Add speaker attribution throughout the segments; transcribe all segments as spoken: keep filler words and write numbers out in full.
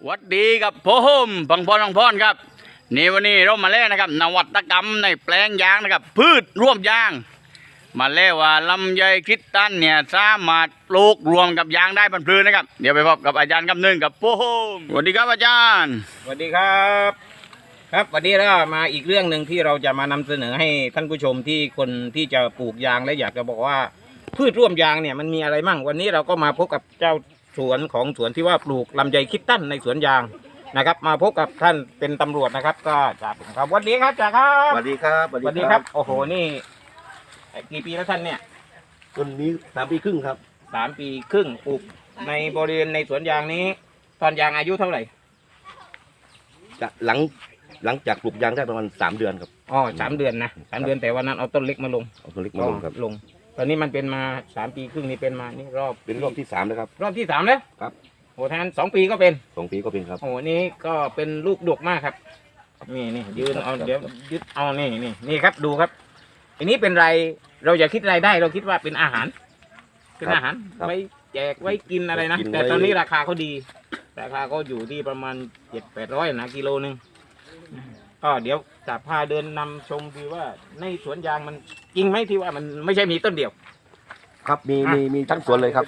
Speaker 1: วัดดีกับผมพังพรพังพรครับนี่วันนี้เรามาเล่นนะครับนวัตกรรมในแปลงยางนะครับพืชร่วมยางมาเล่ว่าลำไยคริสตัลเนี่ยสามารถปลูกรวมกับยางได้บรรพลืนนะครับเดี๋ยวไปพบกับอาจารย์คำนึงกับผมสวัสดีครับอาจารย์
Speaker 2: สวัสดีครับครับวันนี้เรามาอีกเรื่องหนึ่งที่เราจะมานำเสนอให้ท่านผู้ชมที่คนที่จะปลูกยางและอยากจะบอกว่าพืชร่วมยางเนี่ยมันมีอะไรมั่งวันนี้เราก็มาพบกับเจ้าสวนของสวนที่ว่าปลูกลำไยคริสตัลในสวนยางนะครับมาพบกับท่านเป็นตำรวจนะครับก็จ่าผมครับวันนี้ครับจ่าครับ
Speaker 3: สวัสดีครับ
Speaker 2: สวัสดีครับโอ้โหนี่กี่ปีแล้วท่านเนี่ย
Speaker 3: ต้นนี้สามปีครึ่งครับ
Speaker 2: สามปีครึ่งปลูกในบริเวณในสวนยางนี้ตอนยางอายุเท่าไหร่
Speaker 3: จะหลังหลังจากปลูกยางได้ประมาณสามเดือนครับ
Speaker 2: อ๋อสามเดือนนะสามเดือนแต่วันนั้นเอาต้นเล็กมาลง
Speaker 3: เอาต้นเล็กมาลงครับ
Speaker 2: ลงตอนนี้มันเป็นมาสามปีครึ่งนี่เป็นมานี่รอบ
Speaker 3: เป็นรอบที่สามแล้วครับ
Speaker 2: รอบที่สามแล้ว
Speaker 3: ครับ
Speaker 2: โอ้ท่านสองปีก็เป็น
Speaker 3: สองปีก็เป็นครับ
Speaker 2: โอ้นี่ก็เป็นลูกดกมากครับนี่นี่ยืนเอาเดี๋ยวยึดเอานี่นี่นี่ครับดูครับอันนี้เป็นไรเราอย่าคิดรายได้เราคิดว่าเป็นอาหารเป็นอาหารไว้แจกไว้กินอะไรนะแต่ตอนนี้ราคาเขาดีราคาก็อยู่ที่ประมาณเจ็ดแปดร้อยนะกิโลนึงก็เดี๋ยวจะพาเดินนำชมดูว่าในสวนยางมันจริงไหมที่ว่ามันไม่ใช่มีต้นเดียว
Speaker 3: ครับมีมีมีทั้งสวนเลยครับ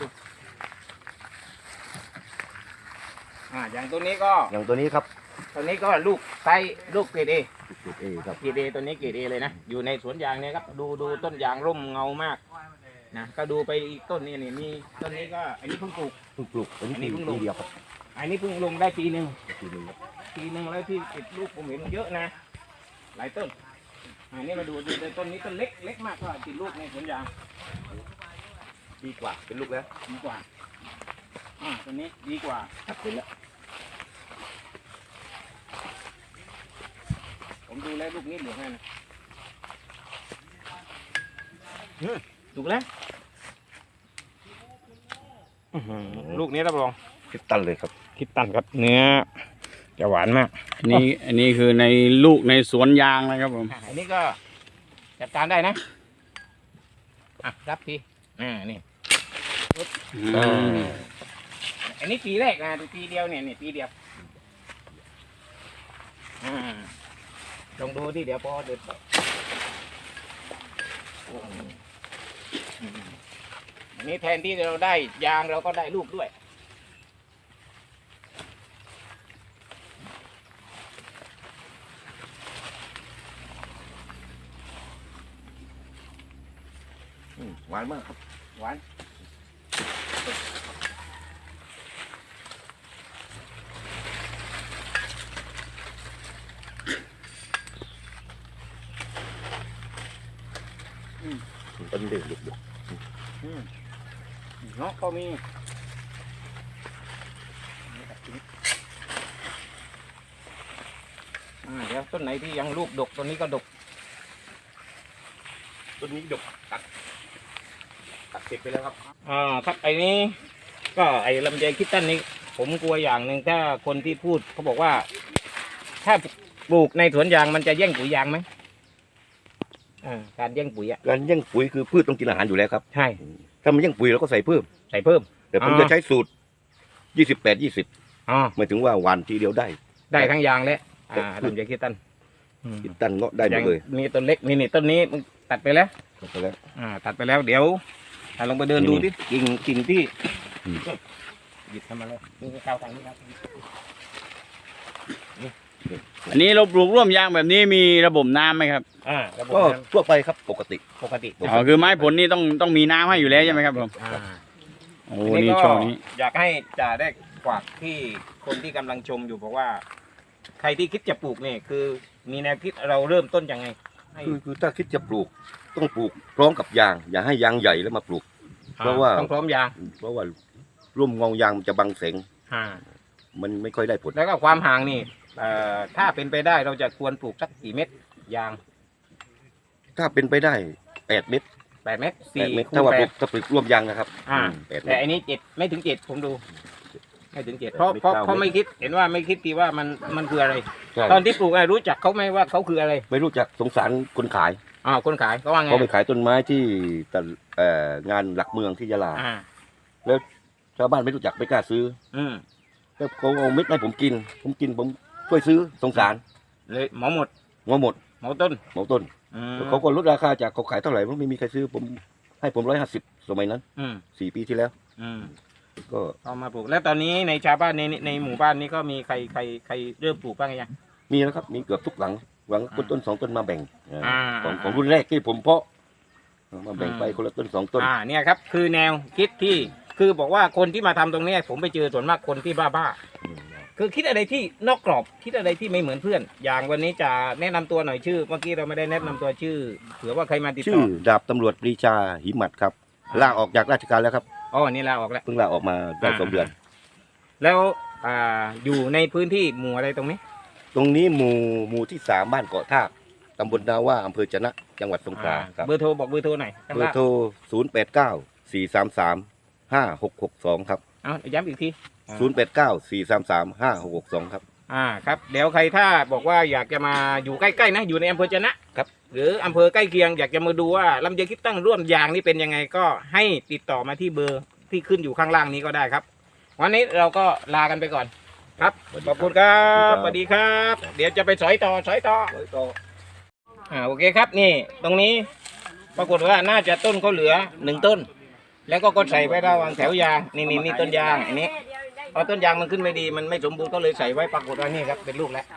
Speaker 2: อ่าอย่างตัวนี้ก็
Speaker 3: อย่างตัวนี้ครับ
Speaker 2: ตัวนี้ก็ลูกไซส์ลูกเกรดเอ
Speaker 3: เกรดเอครับ
Speaker 2: เกรดเอตัวนี้เกรดเอเลยนะอยู่ในสวนยางเนี่ยครับดูดูต้นยางร่มเงามากนะก็ดูไปอีกต้นนี้นี่มีต้นนี้ก็อันนี้เพิ่งปลูก
Speaker 3: เพิ่งปลูกอันนี้เพิ่งลงเดียวครับ
Speaker 2: อันนี้เพิ่งลงได้ปีหนึ่ง
Speaker 3: ปีหนึ่งครับ
Speaker 2: ปีหนึ่งแล้วที่ติดลูกผมเห็นเยอะนะหลายต้นอันนี้มาดูดูต้นนี้ต้นเล็กเล็กมากก็ติดลูกในสวนยาง
Speaker 3: ดีกว่าเป็นลูกแล้ว
Speaker 2: ดีกว่าอ่าต้นนี้ดีกว่า
Speaker 3: ครับเป็นแล้ว
Speaker 2: ผมดูแลลูกนี้เหลือให้นะถูกแล้วลูกนี้รับรอง
Speaker 3: คริสตัลเลยครับ
Speaker 2: คริสตัลครับเนื้อจะหวานมาก
Speaker 1: อันนี้อันนี้คือในลูกในสวนยางนะครับผม
Speaker 2: อันนี้ก็จัดการได้นะอ่ะรับทีอ่านี่อันนี้ปีแรกนะปีเดียวเนี่ยนี่ปีเดียวอ่าลองดูที่เดี๋ยวพอเด็ดอันนี้แทนที่เราได้ยางเราก็ได้ลูกด้วย
Speaker 3: หวานมากครับ
Speaker 2: หวาน
Speaker 3: ต้นเด็กเด็ก
Speaker 2: เนาะก็มีเดี๋ยวต้นไหนที่ยังลูกดกต้นนี้ก็ดก
Speaker 3: ต้นนี้ดกตัดตัดเสร็จไปแล้วครับ
Speaker 2: อ่าครับไอ้นี้ก็ไอ้ลำไยคริสตัลนี้ผมกลัวอย่างหนึ่งถ้าคนที่พูดเขาบอกว่าถ้าปลูกในสวนยางมันจะแย่งปุ๋ยยางไหมอ่าการแย่งปุ๋ยอ่ะ
Speaker 3: การแย่งปุ๋ยคือพืชต้องกินอาหารอยู่แล้วครับ
Speaker 2: ใช่
Speaker 3: ถ้ามันแย่งปุ๋ยเราก็ใส่เพิ่ม
Speaker 2: ใส่เพิ่ม
Speaker 3: แต่ผมจะใช้สูตรยี่สิบแปดยี่สิบ
Speaker 2: อ๋อ
Speaker 3: หมายถึงว่าหวานทีเดียวได้
Speaker 2: ได้ทั้งยางและอ่าลำไยคริสตัล
Speaker 3: คริสตัลเงาะได้หมดเลย
Speaker 2: นี่ต้นเล็กนี่นี่ต้นนี้มันตัดไปแล้ว
Speaker 3: ตัดไปแล้ว
Speaker 2: อ่าตัดไปแล้วเดี๋ยวลองไปเดินดูดิกิ่งกิ่งที่หยิบทำมาเลยดูข้าวทางนี้ครับ
Speaker 1: อันนี้เราปลูกร่วมยางแบบนี้มีระบบน้ำไหมครับ
Speaker 2: อ่า
Speaker 3: ก็ทั่วไปครับปกติ
Speaker 2: ปกติ
Speaker 1: อ๋อคือไม้ผลนี่ต้องต้องมีน้ำให้อยู่แล้วใช่ไหมครับผมโอ้นี่ช่วงนี้
Speaker 2: อยากให้จ่าได้ฝากที่คนที่กำลังชมอยู่บอกว่าใครที่คิดจะปลูกเนี่ยคือมีแนวคิดเราเริ่มต้นยังไง
Speaker 3: คือคือถ้าคิดจะปลูกต้องปลูกพร้อมกับยางอย่าให้ยางใหญ่แล้วมาปลูกเพราะว่า
Speaker 2: ต้องพร้อมยาง
Speaker 3: เพราะว่าร่วมเงายางมันจะบังแสงมันไม่ค่อยได้ผล
Speaker 2: แล้วก็ความห่างนี่ถ้าเป็นไปได้เราจะควรปลูกสักกี่เม็ดยาง
Speaker 3: ถ้าเป็นไปได้แปดเม็ด
Speaker 2: แปดเม็ดสี่
Speaker 3: ถ้าว่าปลูกถ้าปลูกร่วมยางนะครับ
Speaker 2: แต่อันนี้เจ็ดไม่ถึงเจ็ดผมดูไม่ถึงเจ็ดเพราะเพราะเขาไม่คิดเห็นว่าไม่คิดทีว่ามันมันคืออะไรตอนที่ปลูกรู้จักเขาไหมว่าเขาคืออะไร
Speaker 3: ไม่รู้จักสงสารคนขาย
Speaker 2: อ๋อคนขายเขาว่าไง
Speaker 3: เขาไปขายต้นไม้ที่งานหลักเมืองที่ยะลาแล้วชาวบ้านไม่รู้จักไม่กล้าซื้อ
Speaker 2: อื
Speaker 3: แต่เขาเอาเม็ดให้ผมกิน ผมกินผมช่วยซื้อสงสาร
Speaker 2: เลยหมอหมด
Speaker 3: งอหมด
Speaker 2: หมอต้น
Speaker 3: เหมาต้น
Speaker 2: อืม
Speaker 3: เขาก็ลดราคาจากเขาขายเท่าไหร่ไม่มีใครซื้อผมให้ผมร้อยห้าสิบสมัยนั้น
Speaker 2: อืม
Speaker 3: สี่ปีที่แล้ว
Speaker 2: อืม
Speaker 3: ก็
Speaker 2: เอามาปลูกแล้วตอนนี้ในชาวบ้านในในหมู่บ้านนี้ก็มีใครใครใครเริ่มปลูกบ้างยัง
Speaker 3: มีแล้วครับมีเกือบทุกหลังหลังคนต้นสองต้นมาแบ่ง
Speaker 2: อ่า
Speaker 3: ของของรุ่นแรกที่ผมเพาะมาแบ่งไปคนละต้นสองต้น
Speaker 2: อ่าเนี่ยครับคือแนวคิดที่คือบอกว่าคนที่มาทำตรงเนี้ยผมไปเจอส่วนมากคนที่บ้าบ้าๆคือคิดอะไรที่นอกกรอบคิดอะไรที่ไม่เหมือนเพื่อน อย่างวันนี้จะแนะนำตัวหน่อยชื่อเมื่อกี้เราไม่ได้แนะนำตัวชื่อเผื่อว่าใครมาติด
Speaker 3: ชื่
Speaker 2: ต่
Speaker 3: อ
Speaker 2: อ
Speaker 3: ดาบตำรวจปรีชาหิมัดครับลาออกจากราชการแล้วครับ
Speaker 2: อ๋อนี่ลาออกแล้ว
Speaker 3: เพิ่งลาออกมาได้สองเดือน
Speaker 2: แล้วอ่าอยู่ในพื้นที่หมู่อะไรตรงนี้
Speaker 3: ตรงนี้หมู่หมู่ที่สามบ้านเกาะทากตำบลนาว่าอำเภอจะนะจังหวัดสงขลาครับ
Speaker 2: เบอร์โทรบอกเบอร์โทรหน่อยข้าง
Speaker 3: เบอ
Speaker 2: ล่าง
Speaker 3: ร์โทรศูนย์แปดเก้าสี่สามสามห้าหกหกสองครับ
Speaker 2: เอาย้ำอีกที
Speaker 3: ศูนย์แปดเก้าสี่สามสามห้าหกหกสองครับ
Speaker 2: อ่าครับเดี๋ยวใครถ้าบอกว่าอยากจะมาอยู่ใกล้ๆนะอยู่ในอำเภอจะนะครับ หรืออำเภอใกล้เคียงอยากจะมาดูว่าลำไยคิดตั้งร่วมยางนี่เป็นยังไงก็ให้ติดต่อมาที่เบอร์ที่ขึ้นอยู่ข้างล่างนี้ก็ได้ครับ วันนี้เราก็ลากันไปก่อนครับขอบคุณครับสวัสดีครับ เดี๋ยวจะไปสอยต่อสอยต่ออ่าโอเคครับนี่ตรงนี้ปรากฏว่าน่าจะต้นเขาเหลือหนึ่งต้น แล้วก็ก็ใส่ไว้ระหว่างแถวยางนี่นี่นี่ต้นยางอันนี้พอต้นยางมันขึ้นไม่ดีมันไม่สมบูรณ์ก็เลยใส่ไว้ปรากฏว่านี่ครับเป็นลูกแล้ว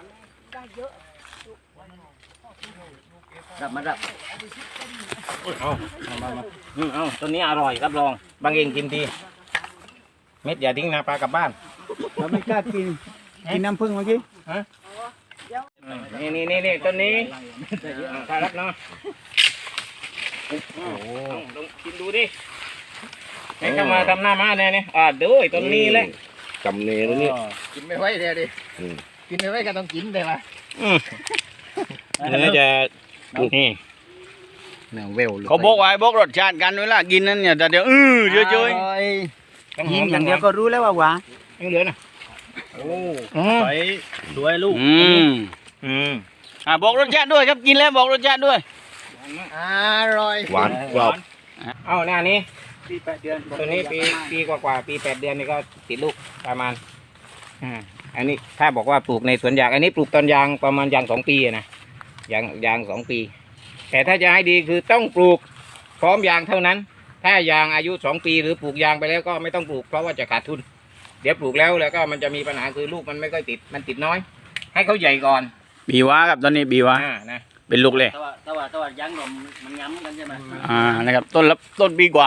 Speaker 2: รับมารับเอาเอามามาอืมเอาต้นนี้อร่อยรับรองบางเองกินดีเม็ดอย่าทิ้งนะปลากลับบ้าน
Speaker 4: เราไม่กล้ากิน กินน้ำผึ้งเมื่อกี้
Speaker 2: ฮะนี่นี่นี่นี่ต้นนี้อ่าถ้ารับเนาะโอ้โหลองกินดูดิให้เข้ามาทำหน้ามาแน่เนี่ยอ่าดูไอ้ต้นนี้แหละ
Speaker 3: จำเนรแล้วนี่
Speaker 4: กินไม่ไหวเดี๋ยวดิ
Speaker 3: อืม
Speaker 4: กินไม่ไหวก็ต้องกินเลยว่ะ
Speaker 2: อืมเนื้อจะนี่
Speaker 4: เนื้อเวล
Speaker 1: เขาบอกไว้บอกรสชาติกันเวลากินนั่นเนี่ยแต่เดี๋ยวอื้อเยอะเจ้ย
Speaker 4: ยิงอย่างเดียวก็รู้แล้วว่าหวาน
Speaker 2: ยังเหลือนะโอ้
Speaker 4: ใส่ด้วยลูก
Speaker 1: อืม
Speaker 2: อืม
Speaker 1: อ่าบอกรสชาติด้วยครับกินแล้วบอกรสชาติด้วย
Speaker 4: อร่อย
Speaker 3: หวานกรอบ
Speaker 2: เอาหน้านี้
Speaker 4: ปีแปดเดือน
Speaker 2: ตัวนี้ปีปีกว่าๆปีแปดเดือนนี่ก็ติดลูกประมาณอ่าอันนี้ถ้าบอกว่าปลูกในสวนยางอันนี้ปลูกตอนยางประมาณยางสองปีอะนะยางยางสองปี แต่ถ้าจะให้ดีคือต้องปลูกพร้อมยางเท่านั้น ถ้ายางอายุสองปีหรือปลูกยางไปแล้วก็ไม่ต้องปลูกเพราะว่าจะขาดทุน เดี๋ยวปลูกแล้วแล้วก็มันจะมีปัญหาคือลูกมันไม่ค่อยติดมันติดน้อย ให้เขาใหญ่ก่อน
Speaker 1: บีวาครับตอนนี้บีวา
Speaker 2: อ่านะ
Speaker 1: เป็นลูกเลย
Speaker 4: แต่ว่าแต่ว่าแต่ว่ายังนมมันย้ำกันใช่ไหม
Speaker 1: อ่านะครับต้นละต้นปีกว่า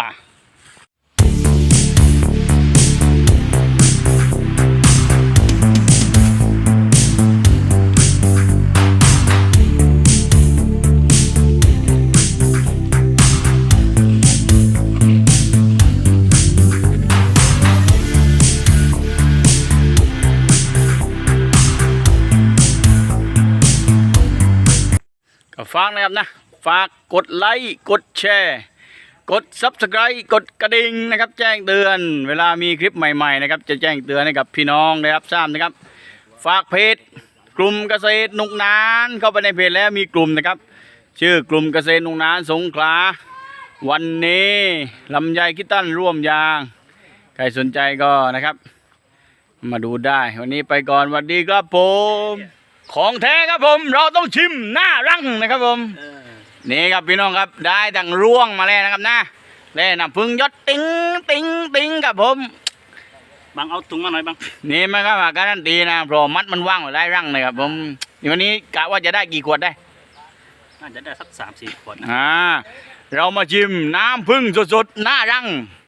Speaker 1: ก็ฝากนะครับนะฝากกดไลค์กดแชร์กด ซับสไครบ์ กดกระดิ่งนะครับ แจ้งเตือนเวลามีคลิปใหม่ๆนะครับจะแจ้งเตือนให้กับพี่น้องได้รับทราบนะครับ ฝากเพจกลุ่มเกษตรนุกนานเข้าไปในเพจแล้วมีกลุ่มนะครับ ชื่อกลุ่มเกษตรนุกนานสงขลาวันนี้ลำไยคิดตั้นร่วมยางใครสนใจก็นะครับ มาดูได้วันนี้ไปก่อนสวัสดีครับผมของแท้ครับผมเราต้องชิมหน้ารังนะครับผมนี่ครับพี่น้องครับได้ดังร่วงมาแล้วนะครับนะแล่น้ำพึ่งยศติ้งติ้งติ้งครับผม
Speaker 4: บางเอาถุงมาหน่อยบาง
Speaker 1: นี่มันก็มาการันตีนะเพราะมัดมันว่างไว้ได้รังเลยครับผมนี่วันนี้กะว่าจะได้กี่ขวดได้
Speaker 4: น่าจะได้สักสามสี่ขวดนะ
Speaker 1: อ่าเรามาชิมน้ำพึ่งสดๆหน้ารัง